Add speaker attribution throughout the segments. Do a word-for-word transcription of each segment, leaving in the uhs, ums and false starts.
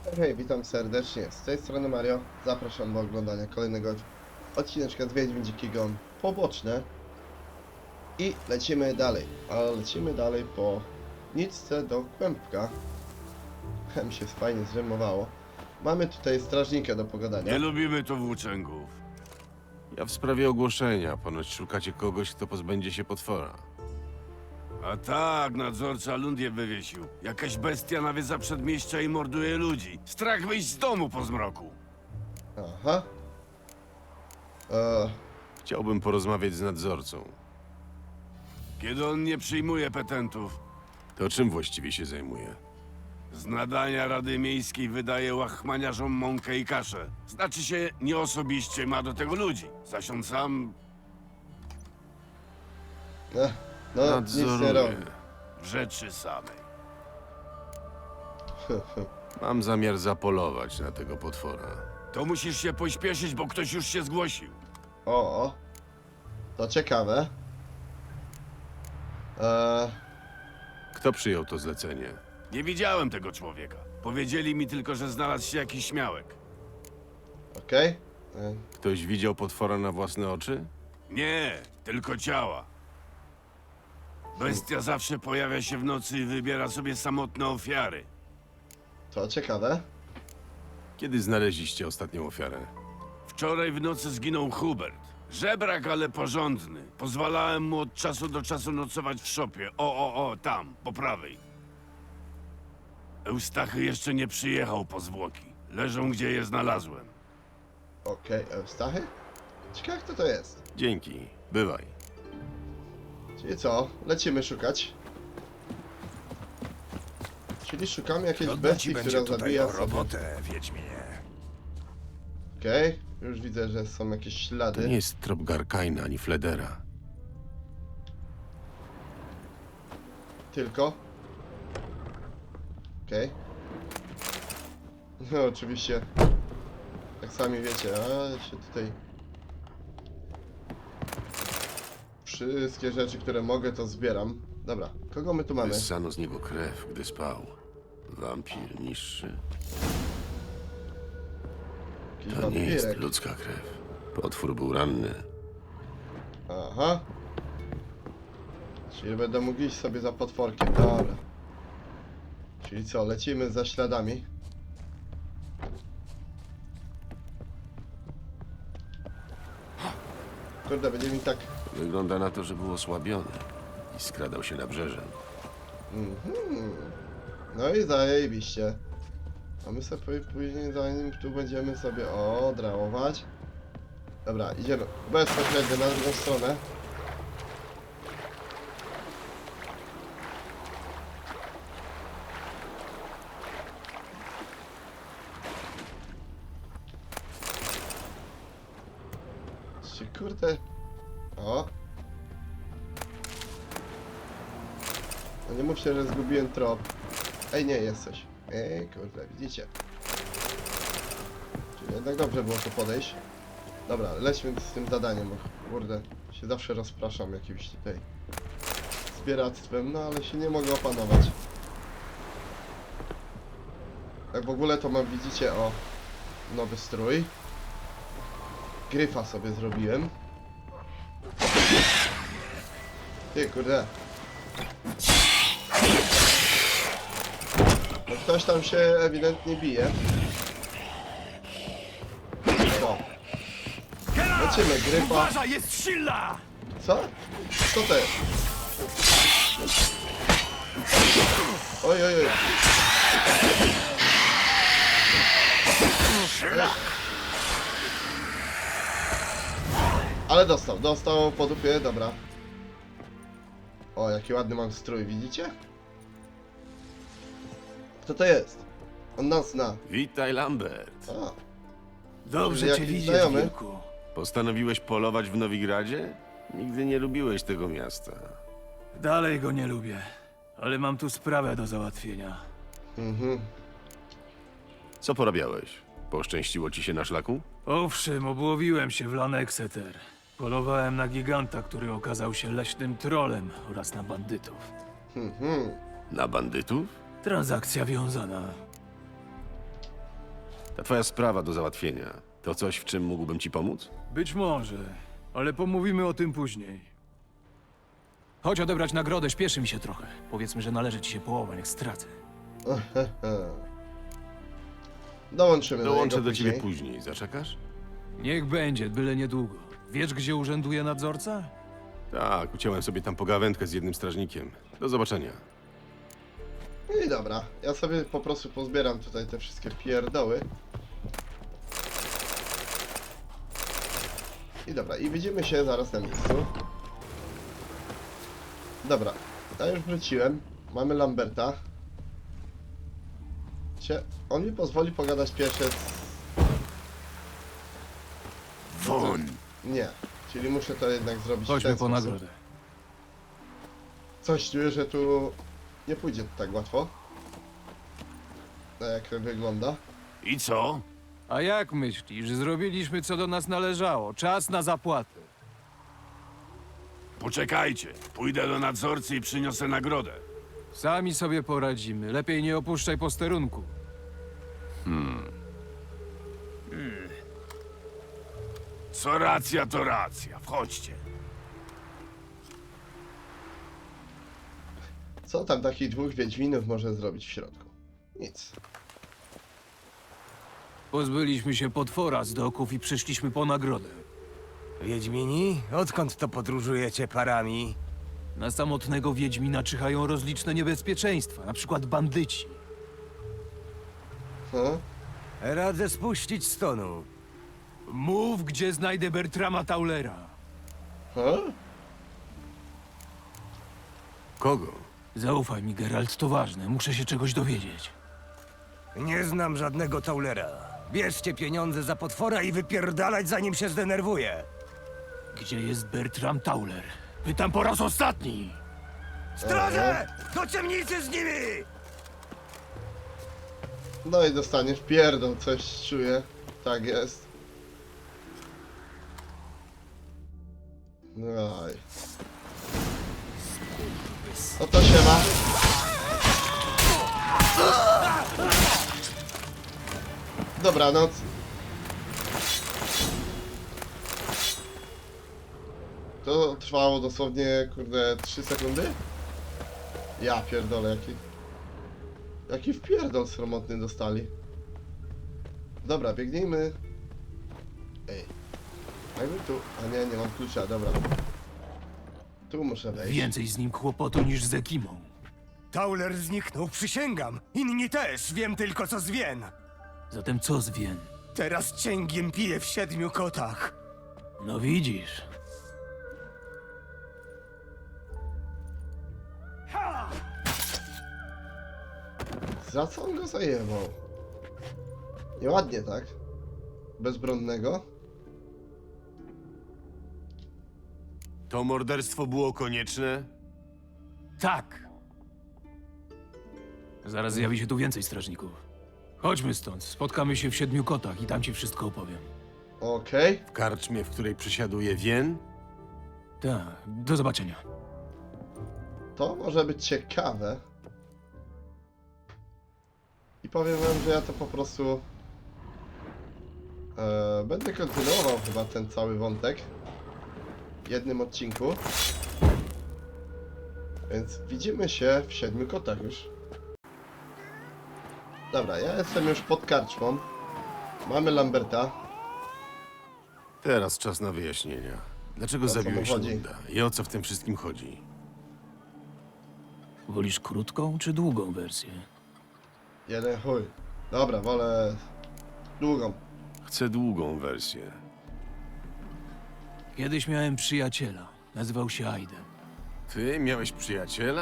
Speaker 1: Hej, witam serdecznie. Z tej strony Mario. Zapraszam do oglądania kolejnego odcineczka z Wiedźmin Dziki Gon poboczne. I lecimy dalej. Ale lecimy dalej po nitce do kłębka. Mi się fajnie zrymowało. Mamy tutaj strażnika do pogadania.
Speaker 2: Nie lubimy tu włóczęgów.
Speaker 3: Ja w sprawie ogłoszenia. Ponoć szukacie kogoś, kto pozbędzie się potwora.
Speaker 2: A tak, nadzorca lund je wywiesił. Jakaś bestia nawiedza przedmieścia i morduje ludzi. Strach wyjść z domu po zmroku.
Speaker 1: Aha. Eee,
Speaker 3: Chciałbym porozmawiać z nadzorcą.
Speaker 2: Kiedy on nie przyjmuje petentów,
Speaker 3: To czym właściwie się zajmuje?
Speaker 2: z nadania Rady Miejskiej wydaje łachmaniarzom mąkę i kaszę. Znaczy się, nie osobiście ma do tego ludzi. Zaś on sam
Speaker 1: no, no nic nie
Speaker 3: Nadzoruję.
Speaker 1: robi.
Speaker 2: w rzeczy samej.
Speaker 3: Mam zamiar zapolować na tego potwora.
Speaker 2: To musisz się pośpieszyć, bo ktoś już się zgłosił.
Speaker 1: O, o. To ciekawe. Eee,
Speaker 3: Kto przyjął to zlecenie?
Speaker 2: Nie widziałem tego człowieka. Powiedzieli mi tylko, że znalazł się jakiś śmiałek.
Speaker 1: okej. Eee,
Speaker 3: Ktoś widział potwora na własne oczy?
Speaker 2: Nie, tylko ciała. Bestia zawsze pojawia się w nocy i wybiera sobie samotne ofiary.
Speaker 1: To ciekawe.
Speaker 3: Kiedy znaleźliście ostatnią ofiarę?
Speaker 2: Wczoraj w nocy zginął Hubert. Żebrak, ale porządny. Pozwalałem mu od czasu do czasu nocować w szopie. O, o, o, tam, po prawej. Eustachy jeszcze nie przyjechał po zwłoki. Leżą, gdzie je znalazłem.
Speaker 1: Okej, Eustachy? Ciekawe kto to jest.
Speaker 3: Dzięki. Bywaj.
Speaker 1: Czyli co? Lecimy szukać. Czyli szukamy jakiejś
Speaker 4: Trudno ci
Speaker 1: bestii,
Speaker 4: będzie
Speaker 1: która
Speaker 4: tutaj
Speaker 1: zabija
Speaker 4: o
Speaker 1: sobie.
Speaker 4: robotę, Wiedźminie.
Speaker 1: Okej, już widzę, że są jakieś
Speaker 3: To
Speaker 1: ślady.
Speaker 3: nie jest trop Garkaina ani Fledera.
Speaker 1: Tylko. Okej. No oczywiście. Jak sami wiecie, a się tutaj... Wszystkie rzeczy, które mogę, to zbieram. Dobra, kogo my tu mamy?
Speaker 3: Wyssano z niego krew, gdy spał. Wampir niższy.
Speaker 1: Jakiś
Speaker 3: To nie jest
Speaker 1: wampirek.
Speaker 3: ludzka krew. Potwór był ranny.
Speaker 1: Aha. Czyli będę mógł iść sobie za potworkiem, dobra. Czyli co, lecimy za śladami. Kurde, będzie mi tak...
Speaker 3: Wygląda na to, że był osłabiony i skradał się nabrzeżem.
Speaker 1: Mhm. No i zajebiście. A my sobie pó- później zanim tu będziemy sobie odrałować. Dobra, idziemy bezpośrednio na drugą stronę. Czy kurde... O! No nie mówcie, że zgubiłem trop. Ej, nie, jest coś. Ej, kurde, widzicie. Czyli jednak dobrze było tu podejść. Dobra, lećmy z tym zadaniem, bo kurde, się zawsze rozpraszam jakimś tutaj zbieractwem, no ale się nie mogę opanować. Tak w ogóle to mam, widzicie, o, nowy strój. Gryfa sobie zrobiłem. Ty, kurde. No ktoś tam się ewidentnie bije. O. Lecimy, gryfa.
Speaker 4: Uważaj, jest silna!
Speaker 1: Co? Co to jest? Oj, oj, oj. Ale dostał, dostał po dupie, dobra. O, jaki ładny mam strój, widzicie? Kto to jest? On nas zna.
Speaker 3: Witaj, Lambert.
Speaker 1: A,
Speaker 4: Dobrze
Speaker 1: Jakiś
Speaker 4: cię widzieć,
Speaker 1: znajomy?
Speaker 4: wilku.
Speaker 3: Postanowiłeś polować w Nowigradzie? Nigdy nie lubiłeś tego miasta.
Speaker 4: Dalej go nie lubię, ale mam tu sprawę do załatwienia.
Speaker 1: mhm.
Speaker 3: Co porabiałeś? Poszczęściło ci się na szlaku?
Speaker 4: Owszem, obłowiłem się w Lanexeter. Polowałem na giganta, który okazał się leśnym trolem oraz na bandytów.
Speaker 1: Mhm.
Speaker 3: Na bandytów?
Speaker 4: Transakcja wiązana.
Speaker 3: Ta twoja sprawa do załatwienia. To coś, w czym mógłbym ci pomóc?
Speaker 4: Być może, ale pomówimy o tym później. Chodź odebrać nagrodę, śpieszy mi się trochę. Powiedzmy, że należy ci się połowa, jak stracę.
Speaker 1: Dołączymy
Speaker 3: Dołączę
Speaker 1: do,
Speaker 3: do
Speaker 1: niego
Speaker 3: ciebie
Speaker 1: później.
Speaker 3: później. Zaczekasz?
Speaker 4: Niech będzie, byle niedługo. Wiesz, gdzie urzęduje nadzorca?
Speaker 3: Tak, uciąłem sobie tam pogawędkę z jednym strażnikiem. Do zobaczenia.
Speaker 1: No i dobra, ja sobie po prostu pozbieram tutaj te wszystkie pierdoły. I dobra, i widzimy się zaraz na miejscu. Dobra, ja już wróciłem. Mamy Lamberta. Cie, on mi pozwoli pogadać pierwsze z...
Speaker 2: Won!
Speaker 1: Nie, czyli muszę to jednak zrobić w
Speaker 4: Chodźmy
Speaker 1: ten
Speaker 4: po
Speaker 1: sposób.
Speaker 4: nagrodę.
Speaker 1: Coś czuję, że tu nie pójdzie to tak łatwo. Tak jak wygląda.
Speaker 2: I co?
Speaker 4: A jak myślisz? Zrobiliśmy, co do nas należało. Czas na zapłatę.
Speaker 2: Poczekajcie. Pójdę do nadzorcy i przyniosę nagrodę.
Speaker 4: Sami sobie poradzimy. Lepiej nie opuszczaj posterunku.
Speaker 2: Co racja, to racja. Wchodźcie.
Speaker 1: Co tam takich dwóch wiedźminów może zrobić w środku? Nic.
Speaker 4: Pozbyliśmy się potwora z doków i przyszliśmy po nagrodę.
Speaker 5: Wiedźmini? Odkąd to podróżujecie parami?
Speaker 4: Na samotnego wiedźmina czyhają rozliczne niebezpieczeństwa, na przykład bandyci.
Speaker 1: Hm?
Speaker 5: Radzę spuścić stonu.
Speaker 4: Mów, gdzie znajdę Bertrama Taulera.
Speaker 1: Hm?
Speaker 3: Kogo?
Speaker 4: Zaufaj mi, Geralt, to ważne. Muszę się czegoś dowiedzieć.
Speaker 5: Nie znam żadnego Taulera. Bierzcie pieniądze za potwora i wypierdalać, zanim się zdenerwuje.
Speaker 4: Gdzie jest Bertram Tauler? Pytam po raz ostatni!
Speaker 5: Straże! Do ciemnicy z nimi!
Speaker 1: No i dostaniesz pierdol, coś czuję. Tak jest. No i... No to się ma. Dobranoc. To trwało dosłownie, kurde, trzy sekundy? Ja pierdolę, jaki... Jaki wpierdol sromotny dostali. Dobra, biegnijmy. Ej. Jakby tu... A nie, nie mam klucza, dobra. Tu muszę wejść.
Speaker 4: Więcej z nim kłopotu niż z Ekimą.
Speaker 5: Tauler zniknął, przysięgam. Inni też, wiem tylko co zwien.
Speaker 4: Zatem co z Wien?
Speaker 5: Teraz cięgiem piję w siedmiu kotach.
Speaker 4: No widzisz.
Speaker 1: Za co on go zajebał? Nieładnie, tak? Bezbronnego?
Speaker 3: To morderstwo było konieczne?
Speaker 4: Tak. Zaraz zjawi się tu więcej strażników. Chodźmy stąd. Spotkamy się w Siedmiu Kotach i tam ci wszystko opowiem.
Speaker 1: Okej.
Speaker 3: W karczmie, w której przysiaduje Wien?
Speaker 4: Tak, do zobaczenia.
Speaker 1: To może być ciekawe. I powiem wam, że ja to po prostu... E, będę kontynuował chyba ten cały wątek. W jednym odcinku. Więc widzimy się w Siedmiu Kotach już. Dobra, ja jestem już pod karczmą. Mamy Lamberta.
Speaker 3: Teraz czas na wyjaśnienia. Dlaczego
Speaker 1: O co mu
Speaker 3: zabiłeś
Speaker 1: chodzi?
Speaker 3: Lunda? I o co w tym wszystkim chodzi?
Speaker 4: Wolisz krótką czy długą wersję?
Speaker 1: Jeden chuj. Dobra, wolę... długą.
Speaker 3: Chcę długą wersję.
Speaker 4: Kiedyś miałem przyjaciela. Nazywał się Aiden.
Speaker 3: Ty miałeś przyjaciela?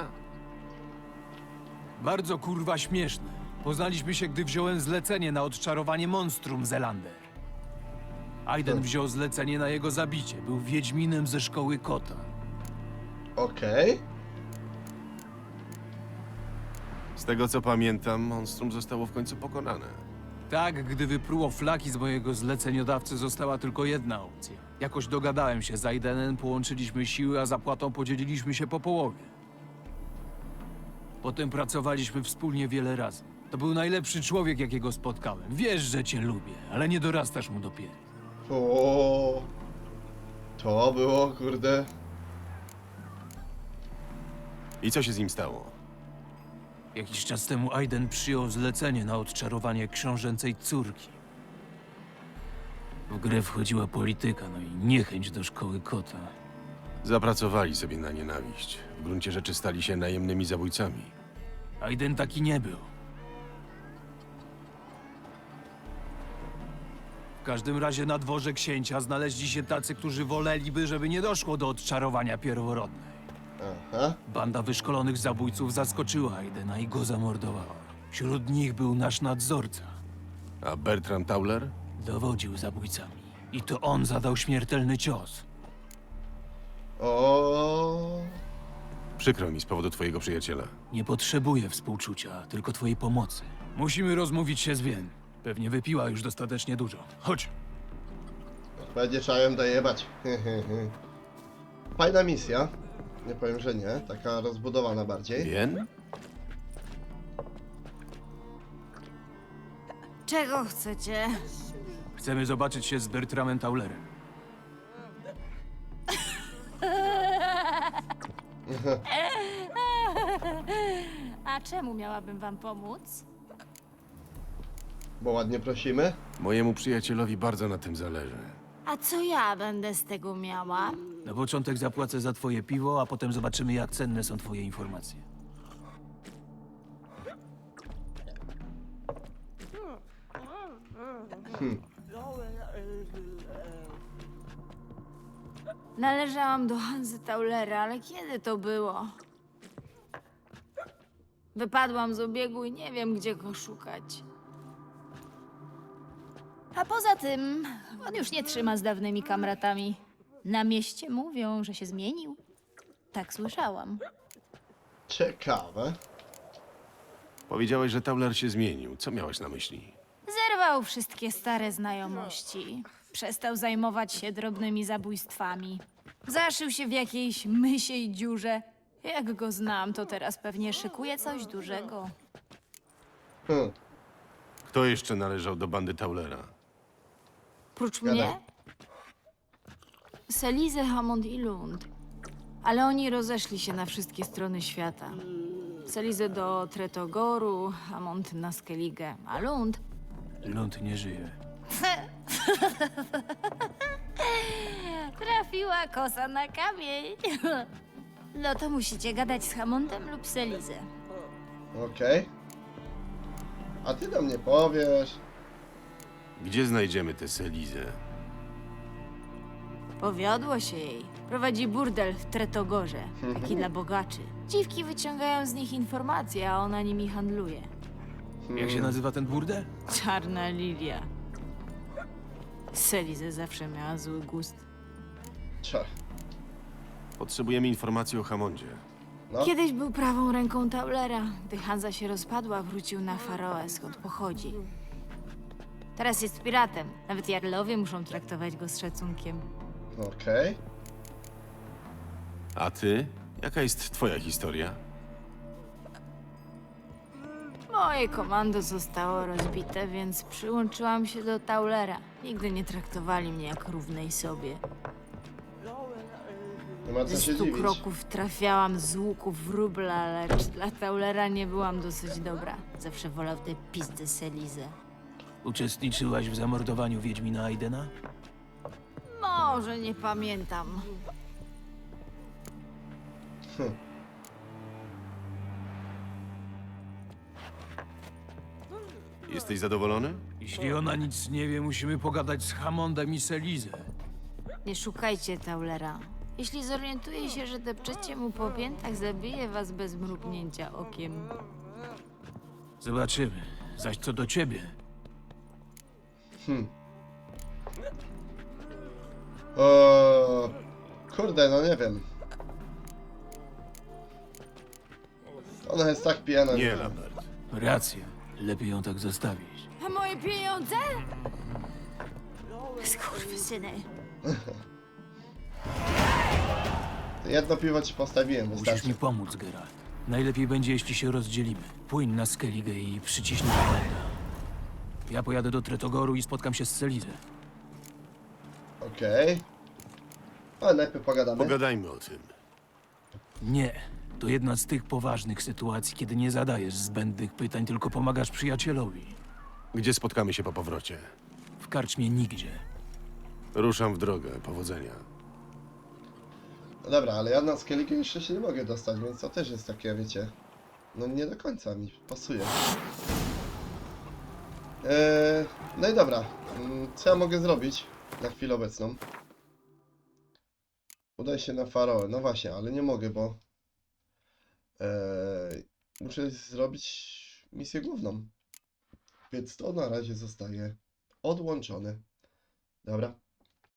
Speaker 4: Bardzo kurwa śmieszny. Poznaliśmy się, gdy wziąłem zlecenie na odczarowanie monstrum Zelander. Aiden
Speaker 1: Hmm.
Speaker 4: wziął zlecenie na jego zabicie. Był wiedźminem ze szkoły kota.
Speaker 1: Okej.
Speaker 3: Z tego co pamiętam, monstrum zostało w końcu pokonane.
Speaker 4: Tak, gdy wypruło flaki z mojego zleceniodawcy, została tylko jedna opcja. Jakoś dogadałem się z Aidenem, połączyliśmy siły, a zapłatą podzieliliśmy się po połowie. Potem pracowaliśmy wspólnie wiele razy. To był najlepszy człowiek, jakiego spotkałem. Wiesz, że cię lubię, ale nie dorastasz mu do pięt.
Speaker 1: O, to było, kurde.
Speaker 3: I co się z nim stało?
Speaker 4: Jakiś czas temu Aiden przyjął zlecenie na odczarowanie książęcej córki. W grę wchodziła polityka, no i niechęć do szkoły kota.
Speaker 3: Zapracowali sobie na nienawiść. W gruncie rzeczy stali się najemnymi zabójcami.
Speaker 4: Aiden taki nie był. W każdym razie na dworze księcia znaleźli się tacy, którzy woleliby, żeby nie doszło do odczarowania pierworodnej.
Speaker 1: Aha.
Speaker 4: Banda wyszkolonych zabójców zaskoczyła Aidena i go zamordowała. Wśród nich był nasz nadzorca.
Speaker 3: A Bertram Tauler?
Speaker 4: Dowodził zabójcami. I to on zadał śmiertelny cios.
Speaker 1: O,
Speaker 3: Przykro mi z powodu twojego przyjaciela.
Speaker 4: Nie potrzebuję współczucia, tylko twojej pomocy. Musimy rozmówić się z Wien. Pewnie wypiła już dostatecznie dużo. Chodź.
Speaker 1: będzie trzeba ją dojebać. Fajna misja. Nie powiem, że nie. Taka rozbudowana bardziej.
Speaker 3: Bien?
Speaker 6: Czego chcecie?
Speaker 4: Chcemy zobaczyć się z Bertramem Taulerem.
Speaker 6: A czemu miałabym wam pomóc?
Speaker 1: Bo ładnie prosimy.
Speaker 3: Mojemu przyjacielowi bardzo na tym zależy.
Speaker 6: A co ja będę z tego miała?
Speaker 4: Na początek zapłacę za twoje piwo, a potem zobaczymy, jak cenne są twoje informacje.
Speaker 6: Należałam do Hanzy Taulera, ale kiedy to było? Wypadłam z obiegu i nie wiem, gdzie go szukać. A poza tym, on już nie trzyma z dawnymi kamratami. Na mieście mówią, że się zmienił. Tak słyszałam.
Speaker 1: Ciekawe.
Speaker 3: Powiedziałeś, że Tauler się zmienił. Co miałeś na myśli?
Speaker 6: Zerwał wszystkie stare znajomości. Przestał zajmować się drobnymi zabójstwami. Zaszył się w jakiejś mysiej dziurze. Jak go znam, to teraz pewnie szykuje coś dużego.
Speaker 1: Hm.
Speaker 3: Kto jeszcze należał do bandy Taulera?
Speaker 6: Prócz
Speaker 1: Gadaj.
Speaker 6: mnie? Selize, Hammond i Lund. Ale oni rozeszli się na wszystkie strony świata. Selize do Tretogoru, Hammond na Skellige, a Lund...
Speaker 4: Lund nie żyje.
Speaker 6: Trafiła kosa na kamień. No to musicie gadać z Hammondem lub Selizę.
Speaker 1: Okej. A ty do mnie powiesz.
Speaker 3: Gdzie znajdziemy tę Selizę?
Speaker 6: Powiodło się jej. Prowadzi burdel w Tretogorze, taki dla bogaczy. Dziwki wyciągają z nich informacje, a ona nimi handluje.
Speaker 4: Jak się nazywa ten burdel?
Speaker 6: Czarna lilia. Selizę zawsze miała zły gust.
Speaker 1: Cze.
Speaker 3: Potrzebujemy informacji o Hammondzie.
Speaker 1: No.
Speaker 6: Kiedyś był prawą ręką Taulera. Gdy Hanza się rozpadła, wrócił na Faroe, skąd pochodzi. Teraz jest piratem. Nawet jarlowie muszą traktować go z szacunkiem.
Speaker 1: Okej.
Speaker 3: A ty? Jaka jest twoja historia?
Speaker 6: Moje komando zostało rozbite, więc przyłączyłam się do Taulera. Nigdy nie traktowali mnie jak równej sobie.
Speaker 1: Nie ma co
Speaker 6: Ze
Speaker 1: się
Speaker 6: stu
Speaker 1: dziwić.
Speaker 6: kroków trafiałam z łuków wróbla, lecz dla Taulera nie byłam dosyć dobra. Zawsze wolał tę pizdę Selizę.
Speaker 4: Uczestniczyłaś w zamordowaniu Wiedźmina Aidena?
Speaker 6: Może nie pamiętam.
Speaker 3: Jesteś zadowolony?
Speaker 4: Jeśli ona nic nie wie, musimy pogadać z Hammondem i Selizę.
Speaker 6: Nie szukajcie Taulera. Jeśli zorientuje się, że depczecie mu po piętach, zabije was bez mrugnięcia okiem.
Speaker 4: Zobaczymy. Zaś co do ciebie,
Speaker 1: O, kurde, no nie wiem. Ona jest tak pijana.
Speaker 3: Nie,
Speaker 1: że-
Speaker 3: Lambert.
Speaker 4: racja. Lepiej ją tak zostawić.
Speaker 6: A moje pieniądze? Skurwysyny.
Speaker 1: Jedno piwo ci postawiłem,
Speaker 4: Musisz
Speaker 1: wystarczy.
Speaker 4: mi pomóc, Geralt. Najlepiej będzie, jeśli się rozdzielimy. Płyń na Skellige i przyciśnij Haylanda. Ja pojadę do Tretogoru i spotkam się z Celizę.
Speaker 1: Okej. Ale najpierw pogadamy.
Speaker 3: Pogadajmy o tym.
Speaker 4: Nie. To jedna z tych poważnych sytuacji, kiedy nie zadajesz zbędnych pytań, tylko pomagasz przyjacielowi.
Speaker 3: Gdzie spotkamy się po powrocie?
Speaker 4: W karczmie nigdzie.
Speaker 3: Ruszam w drogę. Powodzenia.
Speaker 1: No dobra, ale ja na Skellige jeszcze się nie mogę dostać, więc to też jest takie, wiecie... No nie do końca mi pasuje. Eee, no i dobra. Mm, Co ja mogę zrobić na chwilę obecną? Udaj się na Faroe. No właśnie, ale nie mogę, bo... Eee, muszę zrobić misję główną. Więc to na razie zostaje odłączone. Dobra.